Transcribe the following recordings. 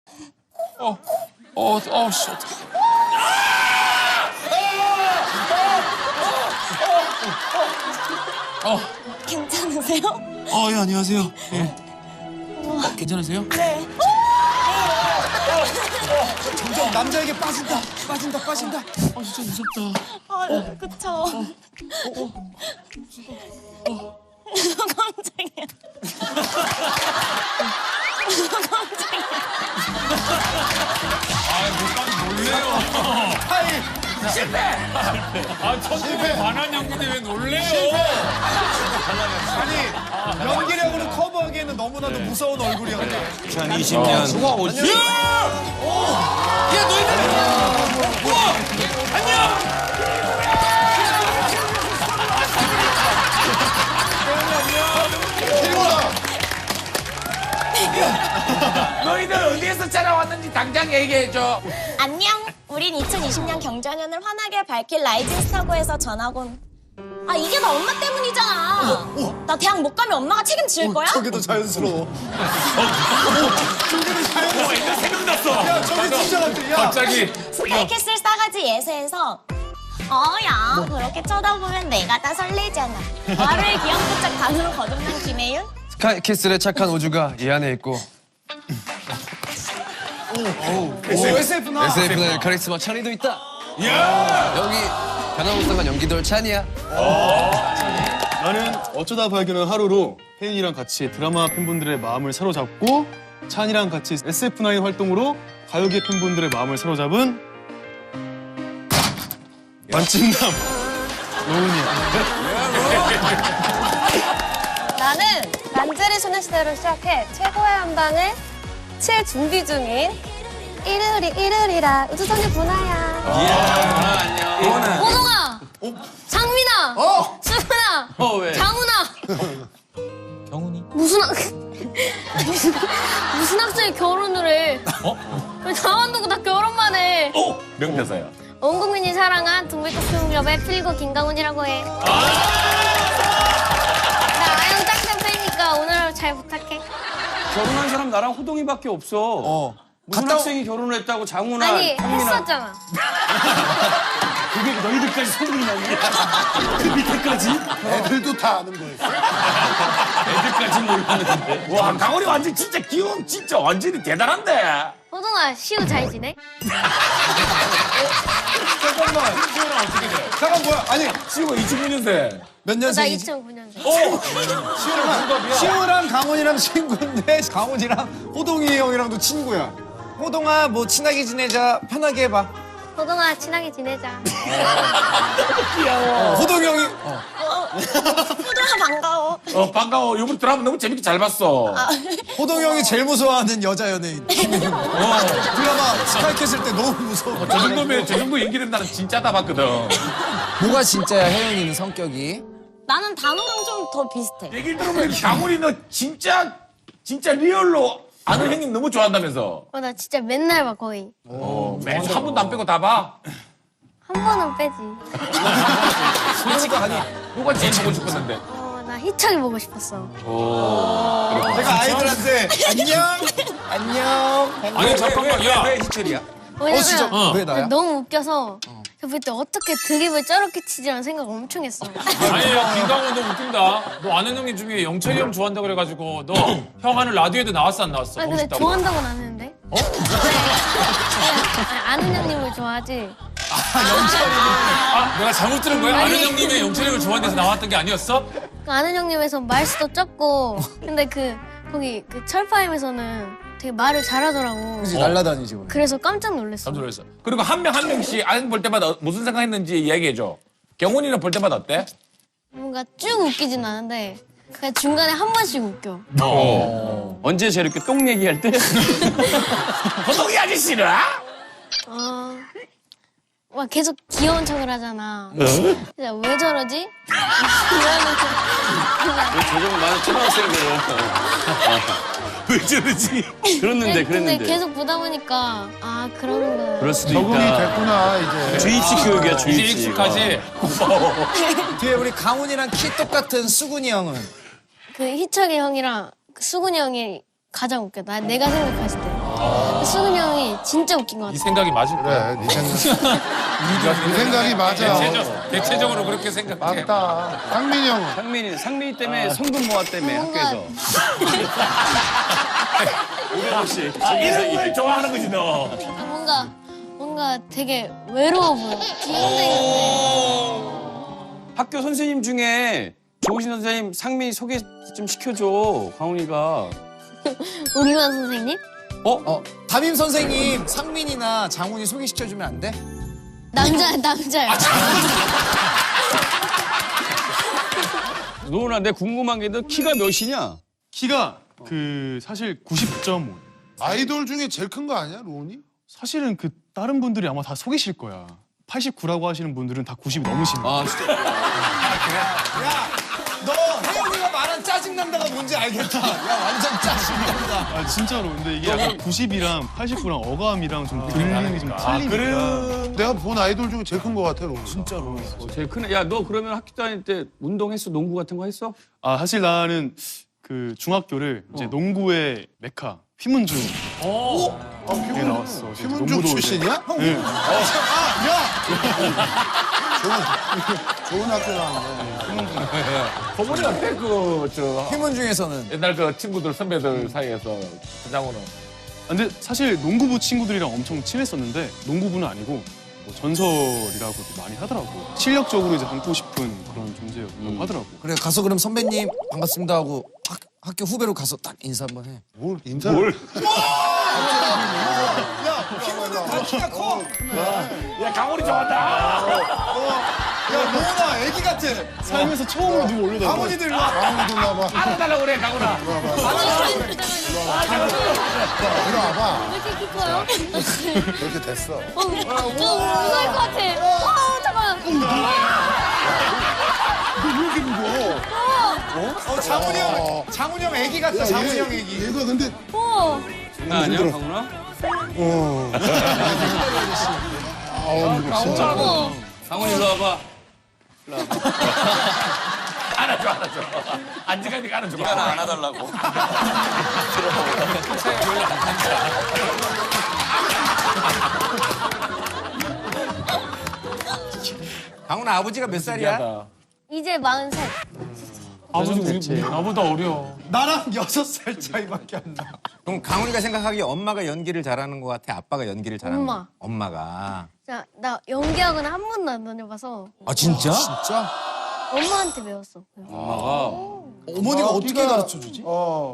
씨. 괜찮으세요? 예, 안녕하세요. 예. 괜찮으세요? 네. 점점 남자에게 빠진다. 진짜 무섭다. 그쵸. 깜짝이야. 놀래요. 실패. 천국에 반한 연기인데 왜 놀래요? 아니 연기력으로 커버하기에는 너무나도 무서운 얼굴이었네. 2020년 누가 오지? 야, 너희들! 안녕! 너희들 어디에서 촬영왔는지 당장 얘기해줘. 안녕. 우린 2020년 경자년을 환하게 밝힐 라이징 스타고에서 전학 온. 아, 이게 나 엄마 때문이잖아. 나 대학 못 가면 엄마가 책임질 거야? 저게 더 자연스러워. 이거 생각났어. 야 저게 진짜 같아. 야. 갑자기. 스카이캐슬 싸가지 예세에서 야 그렇게 쳐다보면 내가 다 설레잖아. 나를 귀염뽀짝 반으로 거듭난 김혜윤? 스카이캐슬의 착한 우주가 이 안에 있고 SF나. SF의 카리스마 찬이도 있다. 야! 여기 변화무쌍한 연기돌 찬이야. 나는 어쩌다 발견한 하루로 혜인이랑 같이 드라마 팬분들의 마음을 사로잡고 찬이랑 같이 SF9 활동으로 가요계 팬분들의 마음을 사로잡은 만찢남 노은이야. 나는 란제리 소녀시대로 시작해 최고의 한방을 칠 준비 중인 일요일이라 우주소녀 분아야. 호동아, 장민아, 수근아, 장훈아. 경훈이? 무슨 학생이 결혼을 해? 왜 나만 두고 다 결혼만 해? 명대사야. 온 국민이 사랑한 동백꽃film 필구 김강훈이라고 해. 나 아영 짱짱 팬이니까 오늘 잘 부탁해. 결혼한 사람 나랑 호동이밖에 없어. 무슨 학생이 결혼을 했다고 장훈아, 아니 형민아. 했었잖아. 그게 너희들까지 소문이 났냐? 그 밑에까지? 애들도 다 아는 거였어. 애들까지 몰랐는데. 와, 강원이 완전 진짜 귀여움 진짜 완전히 대단한데. 호동아 시우 잘 지내? 잠깐만. 잠깐 뭐야? 아니 지금 2009년생. 몇 나 년생이지? 2009년생. 시우랑 강훈이랑 친구인데 강훈이랑 호동이 형이랑도 친구야. 호동아 뭐 친하게 지내자. 편하게 해봐. 호동아 친하게 지내자. 호동이 형이 호동아 반가워. 반가워. 이번 드라마 너무 재밌게 잘 봤어. 호동이 형이 제일 무서워하는 여자 연예인. 드라마 스카이캐슬 때 너무 무서워. 저 정도 연기는 나는 진짜다 봤거든. 뭐가 진짜야, 혜연이는 성격이? 나는 단호랑 좀 더 비슷해. 얘기를 들어보면 강원이 너 진짜 리얼로 아는 형님 너무 좋아한다면서. 나 진짜 맨날 봐 거의. 매주 한 번도 안 빼고 다 봐. 한 번은 빼지. 솔직히 아니 누가 제일 보고 싶었는데. 나 희철이 보고 싶었어. 제가 아이들한테 안녕. 아니, 잠깐만. 야. 왜 희철이야? 왜냐면 진짜? 왜 나야? 너무 웃겨서 저 그때 어떻게 드립을 저렇게 치지라는 생각을 엄청 했어. 아니, 야, 김강훈 너 웃긴다. 너 아는 형님 중에 영철이 형 좋아한다고 그래가지고 너 형 하는 라디오에도 나왔어, 안 나왔어? 아니 보고 근데 싶다고. 좋아한다고는 안 했는데. 아니, 아는 형님을 좋아하지. 내가 잘못 들은 거야? 아는 형님의 영철이 형을 좋아하는 데서 나왔던 게 아니었어? 그 아는 형님에서 말수도 적고 근데 거기 그 철파임에서는 되게 말을 잘하더라고. 그치 날라다니지 원래. 그래서 깜짝 놀랐어. 깜짝 놀랐어. 그리고 한 명씩 아는 볼 때마다 무슨 생각했는지 이야기해줘. 경훈이는 볼 때마다 어때? 뭔가 쭉 웃기진 않은데 그냥 중간에 한 번씩 웃겨. 언제 저렇게 똥 얘기할 때? 호동이 아저씨는? 막 계속 귀여운 척을 하잖아. 진짜 왜 저러지? 이러면서 저정 많은 초등학생들은. 왜 저러지? 그랬는데. 근데 계속 보다 보니까 그러는구나. 그럴 수도 적응이 있다. 됐구나 이제. 주입식 교육이야, 이제 주입식. 익숙하지? 뒤에 우리 강훈이랑 키 똑같은 수근이 형은? 그 희철이 형이랑 수근이 형이 가장 웃겨. 내가 생각했을 때. 수근 형이 진짜 웃긴 것 이 같아. 생각이 맞을 거야. 그래, 네 생각이 맞아. 대체적으로 그렇게 생각해. 맞다. 상민이 형은? 상민이 때문에 성금 모아 때문에 뭔가- 학교에서. 500원씩. 이런 걸 좋아하는 거지 너. 뭔가 되게 외로워 보여. 중학생인데. 학교 선생님 중에 좋으신 선생님 상민이 소개 좀 시켜줘. 강훈이가. 우리만 선생님? 담임 선생님 상민이나 장훈이 소개시켜주면 안 돼? 남자야. 노은아, 내 궁금한 게 너 키가 몇이냐? 키가 사실 90.5. 아이돌 중에 제일 큰 거 아니야, 로운이? 사실은 다른 분들이 아마 다 속이실 거야. 89라고 하시는 분들은 다 90이 넘으시는 거야. 아, 진짜. 너 혜영이가 말한 짜증난다가 뭔지 알겠다. 야 완전 짜증난다. 아 진짜로. 근데 이게 약간 90이랑 89랑 어감이랑 좀 들리는 게 좀 틀리니까. 내가 본 아이돌 중에 제일 큰 거 같아, 로운. 진짜로. 제일 크네. 야, 너 그러면 학교 다닐 때 운동했어? 농구 같은 거 했어? 아 사실 나는 중학교를 이제 농구의 메카 휘문중 에 나왔어. 휘문중 농구도 출신이야? 네. 좋은 학교 나왔네. 소문이 어때? 팀원 중에서는 옛날 그 친구들, 선배들 사이에서 장훈은. 근데 사실 농구부 친구들이랑 엄청 친했었는데 농구부는 아니고 뭐 전설이라고도 많이 하더라고. 실력적으로 이제 닮고 싶은 그런 존재였다고 하더라고. 그래 가서 그럼 선배님 반갑습니다 하고 학교 후배로 가서 딱 인사 한번 해. 뭘 인사를. 키가 커. 야, 강훈이 좋아한다. 야 로운아 애기 같아. 살면서 처음으로 누구 올려다. 강훈이들 일로 와. 강훈이도 와봐. 알아달라고 그래, 강훈아. 이리 와봐. 왜 이렇게 키 커요? 그렇게 됐어. 좀 무서울 것 같아. 잠깐만. 장훈이 형 애기 같다. 장훈이 형 애기. 얘가 근데 장난 아니야, 강훈아? 강훈이 일로 와봐. 안아줘. 앉으니까 안아줘. 네가 나 안아달라고. 강훈아 아버지가 몇 살이야? 이제 43. 아버지 나보다 어려. 나랑 6살 차이밖에 안 나. 그럼 강훈이가 생각하기에 엄마가 연기를 잘하는 것 같아? 아빠가 연기를 잘하는 것 엄마. 같아? 엄마가. 자, 나 연기학은 한 번도 안 다녀봐서 아 진짜? 진짜? 엄마한테 배웠어. 어머니가 어떻게 가르쳐주지?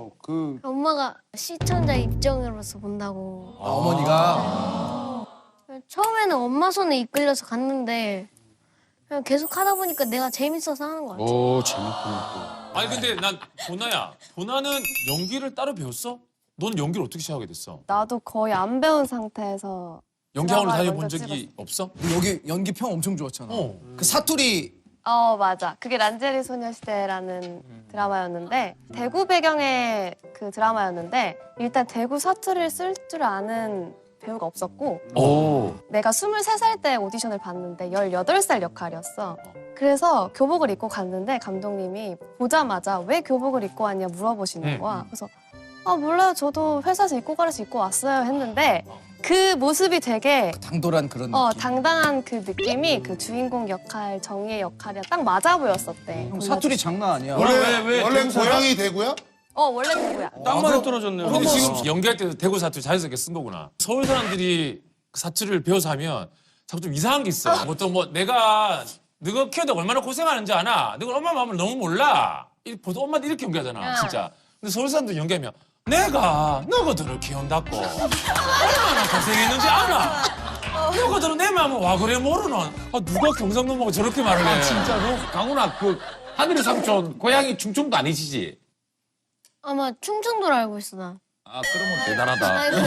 엄마가 시청자 입장으로서 본다고. 어머니가? 처음에는 엄마 손에 이끌려서 갔는데 그냥 계속 하다 보니까 내가 재밌어서 하는 거 같아. 오, 재밌구나. 아니 근데 난 보나는 연기를 따로 배웠어? 넌 연기를 어떻게 시작하게 됐어? 나도 거의 안 배운 상태에서 연기학원을 드라마를 다녀본 먼저 적이 없어? 너 여기 연기 평 엄청 좋았잖아. 그 사투리 맞아. 그게 란제리 소녀시대라는 드라마였는데 대구 배경의 그 드라마였는데 일단 대구 사투리를 쓸 줄 아는 배우가 없었고 내가 23살 때 오디션을 봤는데 18살 역할이었어. 그래서 교복을 입고 갔는데 감독님이 보자마자 왜 교복을 입고 왔냐 물어보시는 거야. 그래서 몰라요. 저도 회사에서 입고 가라서 입고 왔어요 했는데 그 모습이 되게 당돌한 그런 느낌. 당당한 그 느낌이 그 주인공 역할, 정의의 역할이랑 딱 맞아 보였었대. 형 사투리 장난 아니야. 원래 고향이 대구야? 원래 누구야? 딱 맞아 떨어졌네요. 근데 지금 연기할 때도 대구 사투리 자연스럽게 쓴 거구나. 서울 사람들이 그 사투리를 배워서 하면 자꾸 좀 이상한 게 있어. 보통 뭐 내가 너가 키우다 얼마나 고생하는지 아나? 너가 엄마 마음을 너무 몰라. 보통 엄마한테 이렇게 연기하잖아, 진짜. 근데 서울 사람들 연기하면 내가 너희들을 키운다고 얼마나 고생했는지 아나? 너희들은 내 마음을 와 그래 모르는? 누가 경상도하고 저렇게 말을 해? 진짜로? 강훈아, 그 하늘의 삼촌 고향이 충청도 아니시지? 아마 충청도로 알고 있어 나. 아, 그러면 대단하다. 아이고.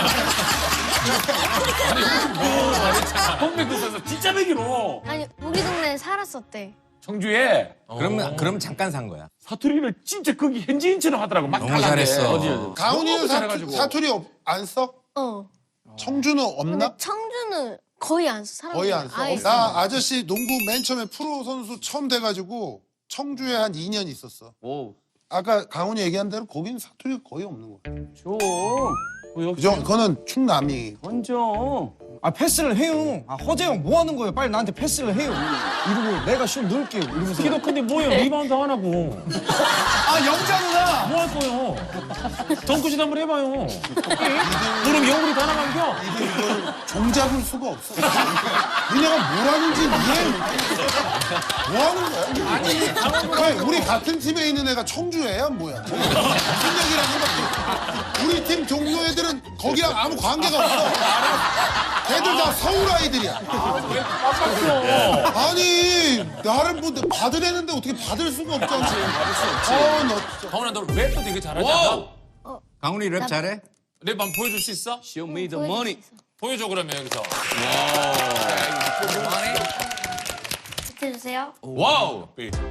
동백국에서 진짜 배기로 아니 우리 동네에 살았었대. 청주에 그럼 잠깐 산 거야. 사투리를 진짜 거기 현지인처럼 하더라고. 막 너무 달라게. 잘했어. 어디. 가훈이는 너무 잘해가지고. 사투리 안 써? 청주는 근데 없나? 청주는 거의 안 써. 사람들이 거의 안 써. 아예 나 아저씨 농구 맨 처음에 프로 선수 처음 돼가지고 청주에 한 2년 있었어. 오, 아까 강훈이 얘기한 대로 거기는 사투리가 거의 없는 거야. 좀 그거는 충남이. 던져. 아 패스를 해요. 아 허재형 뭐 하는 거예요? 빨리 나한테 패스를 해요. 이러고 내가 슛 넣을게요. 이러면서. 키도 큰데 뭐예요? 리바운드 안 하고. 아 영자누나. 뭐 할 거예요? 덩크슛 한번 해봐요. 그럼 영구리 다 나간겨? 이거를 종잡을 수가 없어. 니네가 뭘 하는지 이해 못해. 뭐 하는 거야? 아니, 왜 우리 같은 팀에 있는 애가 청주애야 뭐야? 무슨 얘기를 하는 거야? 우리 팀 종로 애들은 거기랑 아무 관계가 없어. 걔들 다 서울 아이들이야. 아니, 나를 뭐 받으려는데 어떻게 받을 수가 없잖아. 받을 수 없지. 너 진짜. 강훈아, 너 랩도 되게 잘하지 않아? 강훈이 랩 잘해? 랩 한번 보여줄 수 있어? Show me the money. 보여줘 그러면 여기서. 해주세요. 와우.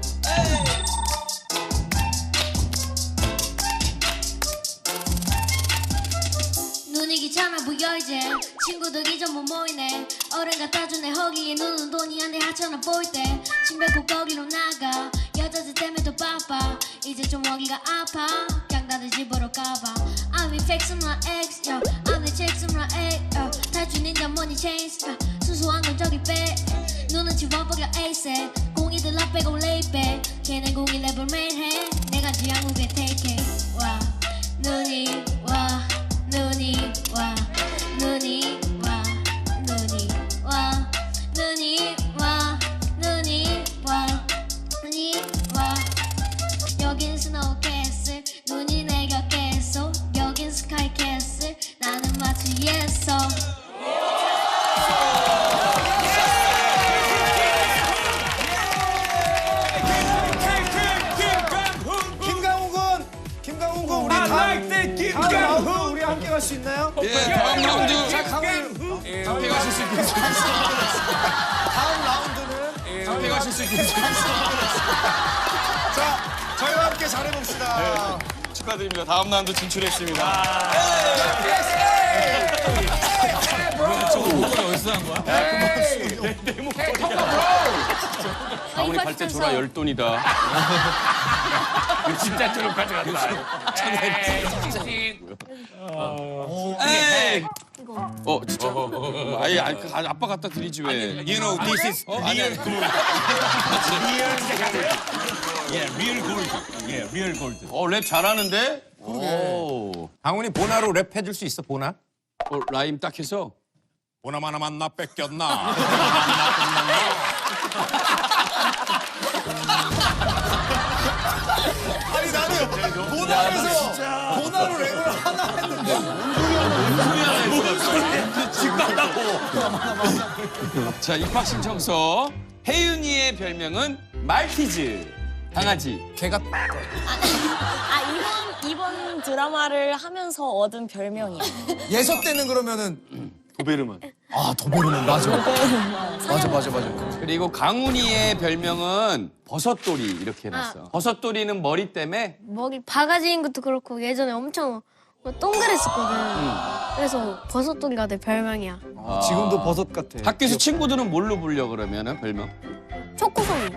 눈이 귀찮아 보여 이제 친구들이 전부 모이네 어른 갖다주네 허기에 눈은 돈이 안돼 하찮아 보일 때 침뱉 고 거기로 나가 여자들 때문에 더 바빠 이제 좀 먹기가 아파 그냥 다들 집으로 가봐 I'm in fixing my ex yo I'm in checking my ex yo 탈주 닌자 money chains 수수한 건 저기 빼 눈은 집어버려 에이세 공이들 나 빼고 레이백 걔네 공이 랩을 매일 해 내가 지향국에 take it 와 눈이 와 눈이 와 눈이 와 눈이 와 눈이 와 눈이 와 눈이 와 여긴 스노우 캐슬 눈이 내 곁에 있어 여긴 스카이 캐슬 나는 마치 예서 김강훈 군 우리 다음 라운드 우리 함께 갈 수 있나요? 예, 다음 라운드 자 강훈 함께 가실 수 있겠습니다. 다음 라운드는 함께 가실 수 있겠습니다. 자 저희와 함께 잘해봅시다. 축하드립니다. 다음 라운드 진출했습니다. 강훈이 발대 줘라 열돈이다. 진짜 저런 가져간다. 에이. 진짜. 아예 아빠 갖다 드리지 왜? You know, this is real gold. 리얼 골드. 리얼 골드. 랩 잘하는데? 오. 강훈이 보나로 랩 해줄 수 있어, 보나? 라임 딱 해서. 보나만 하면 나 뺏겼나? 아니 나는 보나에서 보나로 랩을 하나 했는데 자, 입학 신청서. 혜윤이의 별명은 말티즈. 강아지. 걔가 이번 드라마를 하면서 얻은 별명이야. 예서 때는 그러면은 도베르만. 아 도베르만 맞아. 맞아. 그리고 강훈이의 별명은 버섯돌이 이렇게 해놨어. 버섯돌이는 머리 때문에 먹이 바가지인 것도 그렇고 예전에 엄청 동그랬었거든. 그래서 버섯돌이가 내 별명이야. 지금도 버섯 같아. 학교에서 친구들은 뭘로 불려 그러면은 별명? 초코송이.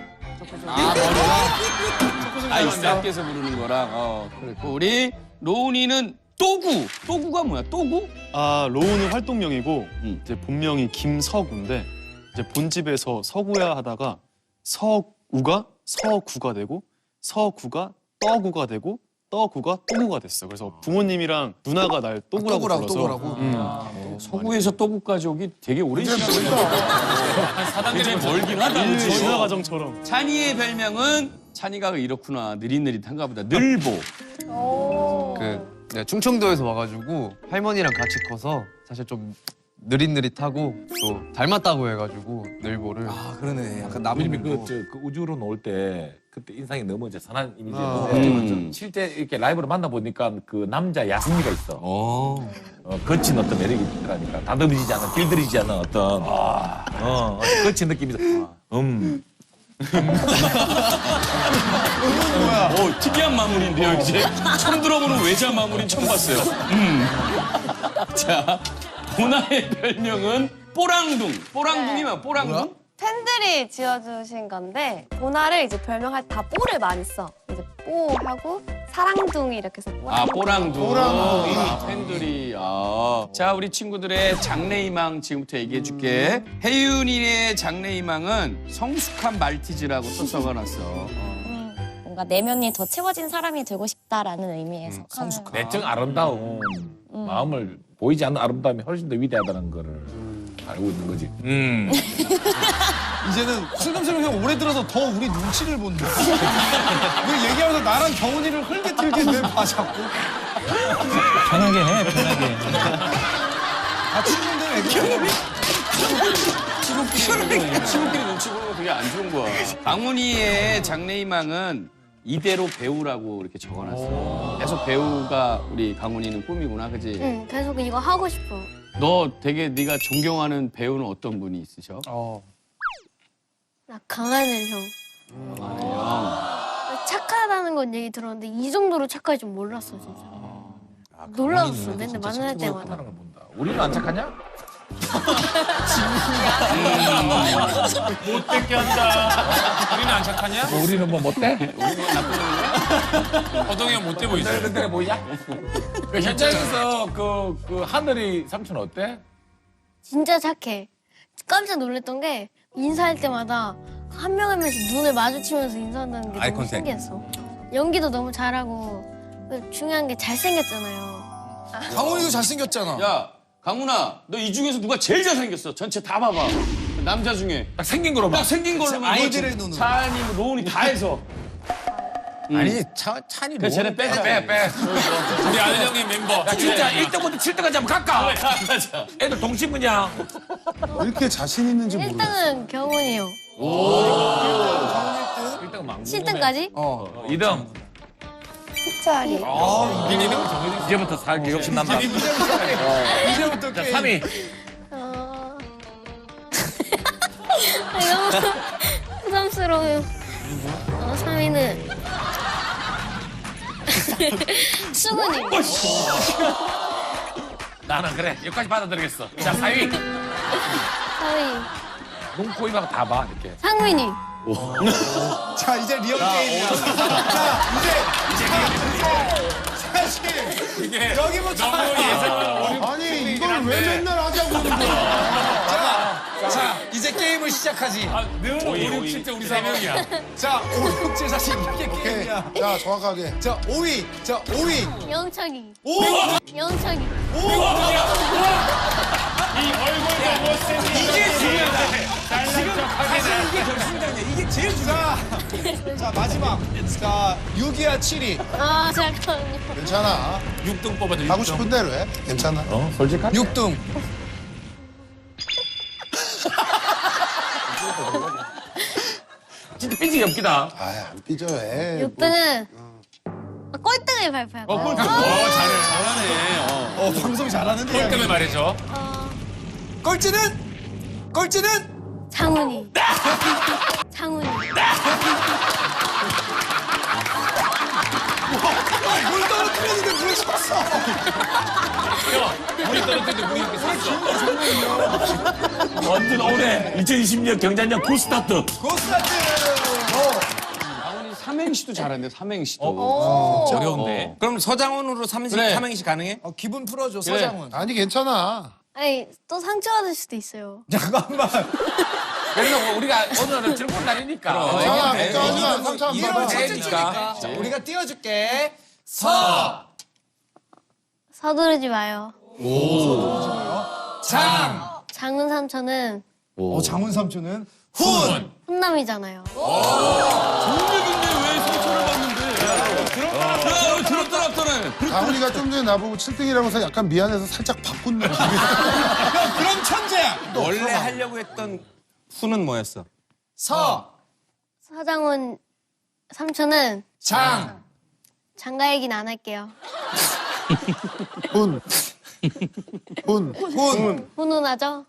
있어. 학교에서 부르는 거랑. 그랬고 우리 로운이는 또구. 또구가 뭐야? 또구? 아 로우는 활동명이고 이제 본명이 김서구인데 이제 본집에서 서구야 하다가 서우가 서구가 되고 서구가 떠구가 되고 떠구가 또구가 됐어. 그래서 부모님이랑 누나가 날 또구라고 불러서. 서구에서 또구까지 오기 되게 오랜 시간이야. 굉장히 멀긴 하다. 그치? 전화 과정처럼. 찬이의 별명은 찬이가 이렇구나. 느릿느릿한가 보다. 늘보. 네, 충청도에서 와가지고 할머니랑 같이 커서 사실 좀 느릿느릿하고 또 닮았다고 해가지고 늘보를. 아 그러네. 약간 우리는 나무늘보. 그 우주로 나올 때 그때 인상이 너무 이제 선한 이미지였는데 실제 이렇게 라이브로 만나보니까 그 남자 야생미가 있어. 거친 어떤 매력이 있더라니까. 다듬어지지 않은, 길들이지 않은 어떤 거친 느낌이 있어. 특이한 마무리인데요, 이제. 처음 들어보는 외자 마무리 처음 봤어요. 자, 보나의 별명은 뽀랑둥. 뽀랑둥이 뭐야? 뽀랑둥? 팬들이 지어주신 건데 보나를 이제 별명할 때 다 뽀를 많이 써. 이제 뽀하고 사랑둥이 이렇게 해서 아, 뽀랑둥. 뽀랑둥이. 팬들이. 아. 자, 우리 친구들의 장래희망 지금부터 얘기해줄게. 혜윤이의 장래희망은 성숙한 말티즈라고 또 적어놨어. 뭔가 내면이 더 채워진 사람이 되고 싶다라는 의미에서 성숙한. 내적 아름다움, 마음을 보이지 않는 아름다움이 훨씬 더 위대하다는 거를 알고 있는 거지. 이제는 슬금슬금 형 올해 들어서 더 우리 눈치를 본다. 우리 얘기하면서 나랑 경훈이를 흘게틀게 봐 자꾸. 편하게 해, 편하게. 다 친구인데 왜 친구끼리 눈치 보는 거 되게 안 좋은 거야. 강훈이의 장래희망은 이대로 배우라고 이렇게 적어놨어. 계속 배우가 우리 강훈이는 꿈이구나, 그지? 응, 계속 이거 하고 싶어. 너 되게 네가 존경하는 배우는 어떤 분이 있으셔? 나 강하늘 형. 착하다는 건 얘기 들었는데 이 정도로 착할 줄 몰랐어 진짜. 놀라웠어 맨날 만날 때마다. 하는 걸 본다. 우리는 안 착하냐? 못되게 한다. 우리는 안 착하냐? 우리는 뭐 못돼? 호동이 형 못돼 보이지? 그래 보이냐? 그 현장에서 그 하늘이 삼촌 어때? 진짜 착해. 깜짝 놀랐던 게 인사할 때마다 한 명 한 명씩 눈을 마주치면서 인사한다는 게 아이 너무 컨택. 신기했어. 연기도 너무 잘하고 중요한 게 잘생겼잖아요. 강훈이도 잘생겼잖아. 야, 강훈아, 너 이 중에서 누가 제일 잘생겼어? 전체 다 봐봐. 남자 중에. 딱 생긴 거로 봐. 딱 생긴 걸로만. 아이들의 눈으로. 찬이, 뭐 로운이 다 해서. 아니 찬이 그래, 쟤네 빼자. 빼. 우리 아는 형의 멤버. 야, 진짜 1등부터 7등까지 한번 갈까? 애들 동심이냐? 왜 이렇게 자신 있는지 모르겠어. 1등은 경훈이 형. 1등은 망고. 7등까지? 2등. 흑자리. 이제부터 살게 욕심난다. 이제부터 자, 게임. 3위. 너무 부담스러워요. 3위는 수근이. 나는 그래. 여기까지 받아들이겠어. 자, 4위. 4위 눈, 코, 입하고 다 봐, 이렇게. 상민이. 자 이제 리얼 게임이야. 자 사실 이게 여기부터 너무 예상. 아니 이걸 왜 맨날 하자고 하는 거야. 자 이제 게임을 시작하지. 늘 5, 6, 7등 우리 3명이야. 자 5, 6, 7 사실 이게 오케이. 게임이야. 자 정확하게. 자 5위. 자 5위. 영창이. 오. 영창이. 이 얼굴도 못생긴. 이게 중요하다. 지금 사실 이게 결승전이야. 이게 제일 중요해. 자 마지막. 자 6위와 7위. 아 잠깐만요. 괜찮아. 6등 뽑아도 하고 6등. 싶은 대로 해. 괜찮아. 솔직한? 6등. 진짜 삐지기 없기다. 아안 삐져해. 6등은 꼴등을 발표할 거야. 잘해. 방송 잘하는데. 그것 때문에 말이죠. 꼴찌는 장훈이. 장훈이. 물 떨어뜨렸는데 물을 쳤어. 우리 떨어뜨는데 우리 이렇게 섰어. 완전 올해 2020년 경자년 굿스타트. 고스타트. 강훈이 삼행시도 잘하는데, 삼행시도. 어려운데. 그럼 서장훈으로 그래. 삼행시 가능해? 기분 풀어줘 서장훈. 아니 괜찮아. 아니 또 상처받을 수도 있어요. 잠깐만. 그래서 우리가 오늘은 즐거운 날이니까. 괜찮아. 걱정하지 마. 상처 안 이런 받아. 첫째 주니까. 자, 우리가 띄워줄게. 서. 서두르지 마요. 장. 장훈 삼촌은 장훈 삼촌은 훈. 훈남이잖아요. 들었더라. 강훈이가 좀 전에 나보고 7등이라고 해서 약간 미안해서 살짝 바꾼 느낌이. 야, 그럼 천재야. 원래 하려고 했던 훈은 뭐였어? 서. 서장훈 삼촌은 장. 장가 얘기는 안 할게요. 훈. 훈훈하죠?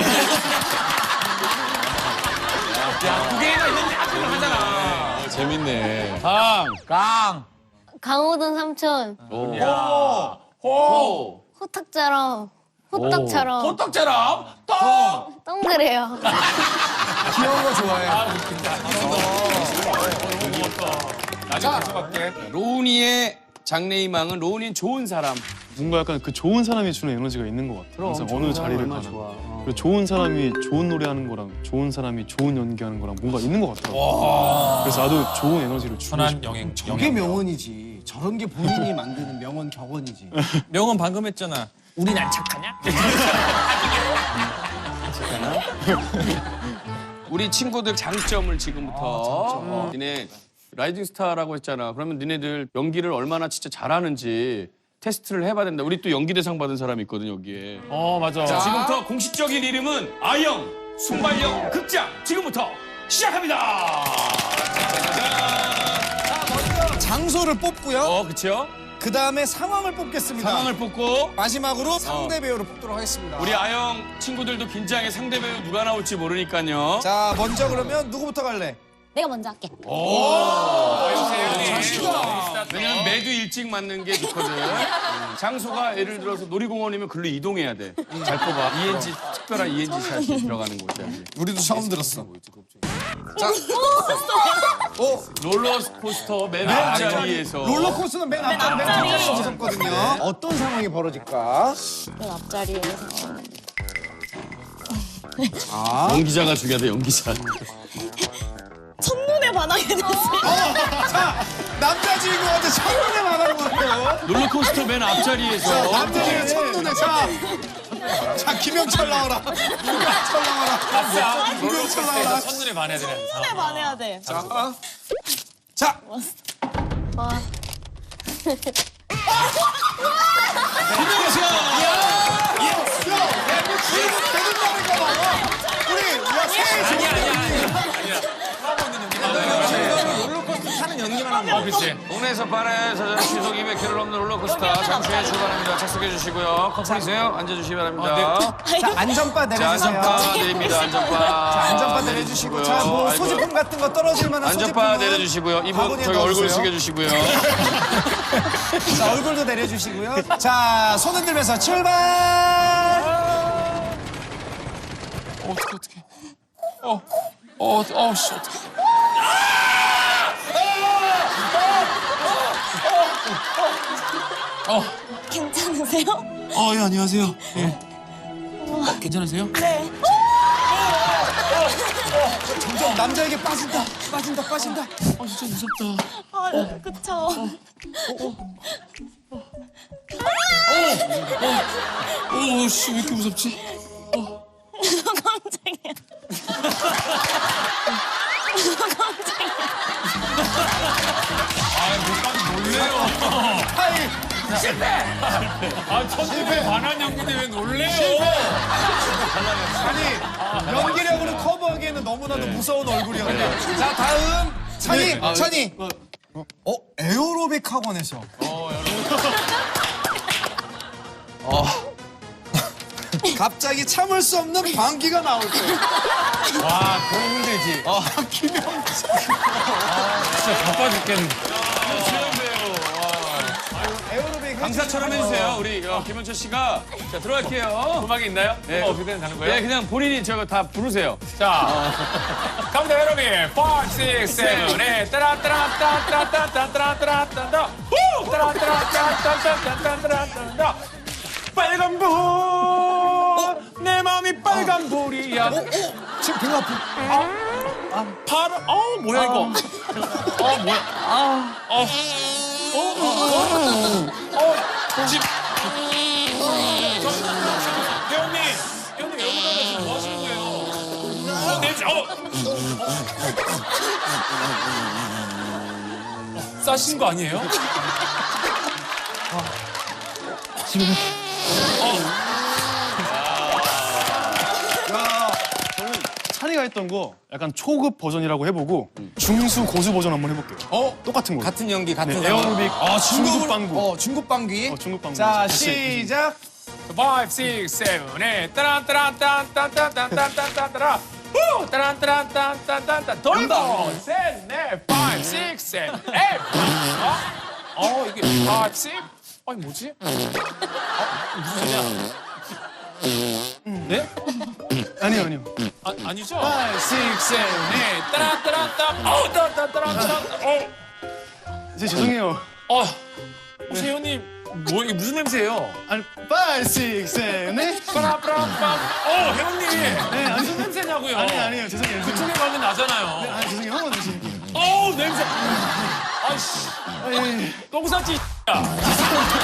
두 개나 있는데 앞으로 하잖아. 재밌네. 강호동 삼촌 호. 호떡처럼 호떡처럼 호떡처럼 동그래요. 귀여운 거 좋아해. 나중에 계속할게. 로운이의 장래희망은 로운이는 좋은 사람. 뭔가 약간 그 좋은 사람이 주는 에너지가 있는 것 같아요. 항상 어느 자리를 가나. 그리고 좋은 사람이 좋은 노래하는 거랑 좋은 사람이 좋은 연기하는 거랑 뭔가 있는 것 같더라고요. 그래서 나도 좋은 에너지를 주고 선한 싶어요. 영행. 저게 명언이지. 저런 게 본인이 만드는 명언 격언이지. 명언 방금 했잖아. 우린 안 착하냐? 우리 친구들 장점을 지금부터 니네 라이징 스타라고 했잖아. 그러면 니네들 연기를 얼마나 진짜 잘하는지 테스트를 해봐야 된다. 우리 또 연기 대상 받은 사람이 있거든 여기에. 맞아. 자, 지금부터 공식적인 이름은 아영 순발력 극장 지금부터 시작합니다. 장소를 뽑고요. 그렇죠? 그 다음에 상황을 뽑겠습니다. 상황을 뽑고 마지막으로 상대 배우를 뽑도록 하겠습니다. 우리 아영 친구들도 긴장해. 상대 배우 누가 나올지 모르니까요. 자, 먼저 그러면 누구부터 갈래? 내가 먼저 할게. 왜냐면 매주 일찍 맞는 게 좋거든. 장소가 예를 들어서 놀이공원이면 글로 이동해야 돼. 잘 뽑아. ENG 특별한 ENG 샷이 들어가는 곳이야. 우리도 처음 들었어. 롤러코스터 맨 앞자리에서 롤러코스터는 맨 앞자리에 있었거든요. 어떤 상황이 벌어질까? 맨 앞자리에서. 연기자가 중요하다. 연기자. 첫눈에 반하게 됐어요. 자, 남자 주인공한테 첫눈에 말하는 거예요. 롤러코스터 맨 앞자리에서 남자 주인공 첫눈에. 자, 김영철 나와라. 김영철 나와라. 김영철 나와라. 첫눈에 반해야 되는. 첫눈에 반해야 돼. 자. 동네에서 반에서 시속 200km 넘는 롤러코스터 잠시 후에 출발합니다. 착석해 주시고요. 커플이세요? 앉아주시기 바랍니다. 자, 안전바 자, 내려주세요. 안전바 내립니다. 안전바. 자, 안전바 내려주시고. 자, 뭐 아이고. 소지품 같은 거 떨어질 만한 안전바 소지품은 내려주시고요. 이분 바구니에 저기 얼굴 넣어주세요. 숙여주시고요. 자, 얼굴도 내려주시고요. 자, 손 흔들면서 출발! 어떡해. 씨, 어떡해. 괜찮으세요? 예, 안녕하세요. 예. 괜찮으세요? 네. 점점 남자에게 빠진다. 빠진다. 진짜 무섭다. 그쵸. 씨, 왜 이렇게 무섭지? 깜짝이야. 놀래요. 첫눈에 반한 연기인데 왜 놀래요? 아니, 연기력으로 커버하기에는 너무나도 무서운 얼굴이었네. 자, 다음. 찬이. 에어로빅 학원에서. 갑자기 참을 수 없는 방귀가 나올 때. 와, 그럼 힘들지. 김영. 진짜 바빠 죽겠네. 에어로빅 강사처럼 해주세요. 우리 김현철 씨가. 자, 들어갈게요. 음악이 있나요? 네. 어떻게 되는 거예요? 네, 그냥 본인이 저거 다 부르세요. 자, 갑니다, 여러분. 5, 6, 7, 8. 따라따라따따따따따따따따따따. 후! 따라따라따따따따따따따. 빨간 불. 내 마음이 빨간 불이야. 지금 배가 아프. 파란. 뭐야, 이거. 뭐야. 집. 배우님, 여러분들 지금 뭐 하시는 거예요? 싸신 거 아니에요? 찬이가 했던 거 약간 초급 버전이라고 해보고 중수 고수 버전 한번 해볼게요. 똑같은 거. 같은 연기, 같은 네, 에어로빅 중급 방구. 중급 방귀. 중급 방구. 자, 다시. 시작. 5, 6, 7, 8. 따란따란딴딴딴딴딴딴따라. 후! 따란따란딴딴딴딴. 돌고. 셋, 넷, 5, 6, 7, 8. 이게 5, 6? 아니, 뭐지? 무슨 소리야? 네? 아니요. 아니죠? 5, 6, 7, 8. 따란따란딴. 따란따란따란. 죄송해요. 혹시 회원님 뭐 이게 무슨 냄새예요? 아니 5, 6, 7, 8. 빠라빠라빰. 회원님. 네, 무슨 냄새냐고요? 아니에요. 죄송해요. 그쪽에 가면 나잖아요. 죄송해요. 한 번 더 드실게요. 냄새. 아이씨. 똥 쌌지. 야.